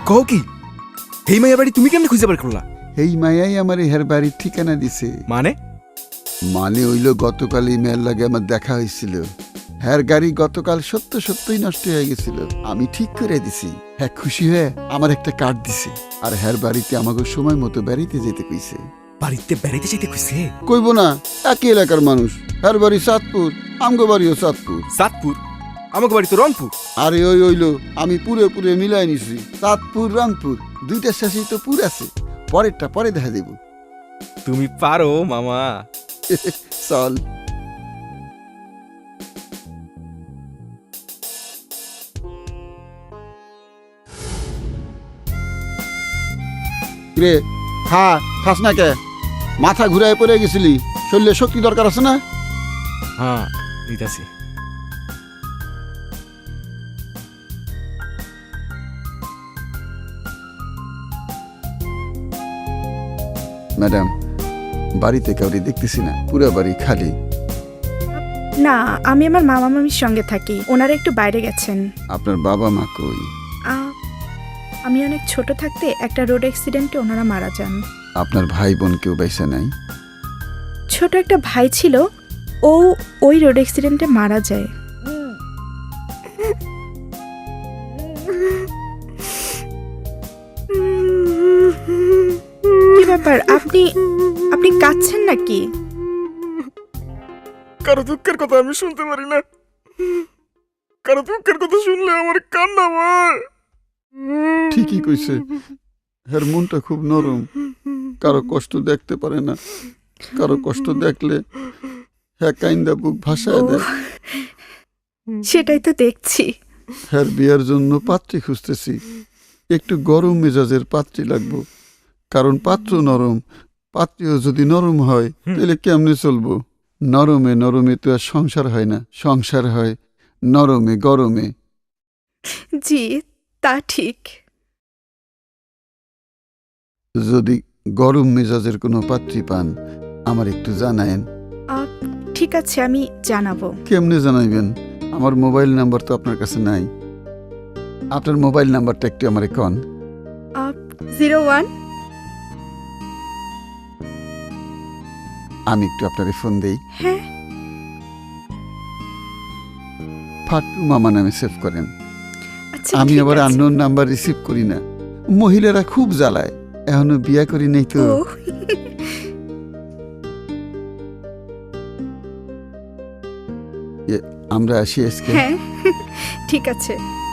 কও কি এই মাইয়া বাড়ি তুমি কেমনে খুঁজে বার করলা? এই মায়াই আমার হের বাড়ির ঠিকানা দিছে। মানে মানে হইল গতকাল এই মেয়ের লাগে আমার দেখা হয়েছিল। হ্যার গাড়ি গতকাল সত্যই নষ্ট হয়ে গেছিল, আমি ঠিক করে দিছি। হ্যাঁ খুশি হয়ে আমার একটা কার্ড দিছে, আর হ্যার বাড়িতে আমাকে সময় মতো বেড়াইতে যেতে কইছে। বাড়িতে বেড়াইতে যেতে কইছে? কইব না, একই এলাকার মানুষ। হ্যার বাড়ি চাঁদপুর, আমগো বাড়িও চাঁদপুর। চাঁদপুর? আমাকে বাড়ি তো রংপুর। আরে ওই হইল আমি পুরে মিলাই নিছি। চাঁদপুর রংপুর দুইটা শেষেই তো পুর আছে, পরেরটা পরে দেখা দেব। তুমি পারো মামা। চল। রে খাস না কে? মাথা ঘুরায় পড়ে গেছিলি, শরীরে শক্তি দরকার আছে না? হ্যাঁ দিতাছি। ম্যাডাম, বাড়িতে কাউরি দেখতেছি না, পুরো বাড়ি খালি। না, আমি আমার মামা মামির সঙ্গে থাকি, ওনারা একটু বাইরে গেছেন। আপনার বাবা মা কই? আমি অনেক ছোট থাকতে একটা রোড অ্যাক্সিডেন্টে ওনারা মারা যান। আপনার ভাই বোন কেউ বাইসা নাই? ছোট একটা ভাই ছিল, ও ওই রোড অ্যাক্সিডেন্টে মারা যায়। কি ব্যাপার, আপনি আপনি কাঁদছেন নাকি? কারো দুঃখের কথা আমি শুনতে পারি না, কারো দুঃখের কথা শুনলে আমার কান্না হয়। ঠিকই কইছে, হের মনটা খুব নরম, কারো কষ্ট দেখতে পারে না, কারো কষ্ট দেখলে হ্যাঁ কাইন্দা বুক ভাসায় দেয়। সেটাই তো দেখছি। হ্যার বিয়ের জন্য পাত্রী খুঁজতেছি, একটু গরম মেজাজের পাত্রী লাগবো, কারণ পাত্র নরম। পাত্রীও যদি নরম হয় তাহলে কেমনে চলবো? নরমে তো আর সংসার হয় না, সংসার হয় নরমে গরমে। জি, তা ঠিক। যদি গরম মেজাজের কোনো পাত্রী পান আমার একটু জানায়েন। ঠিক আছে, আমি জানাবো। কেমনে জানাইবেন? আমার মোবাইল নাম্বার তো আপনার কাছে নাই। আপনার মোবাইল নাম্বারটা একটু আমারে কন। 01। আমি একটু আপনারে ফোন দেই। হ্যাঁ, ফাটু মামা নামে সেভ করেন। আচ্ছা, আমি ঠিক আবার আছে। আননোন নাম্বার রিসিভ করি না। মহিলারা খুব জ্বালায়, এখনো বিয়া করি নাই তো। ও, আমরা আসি আজকে। হ্যাঁ, ঠিক আছে।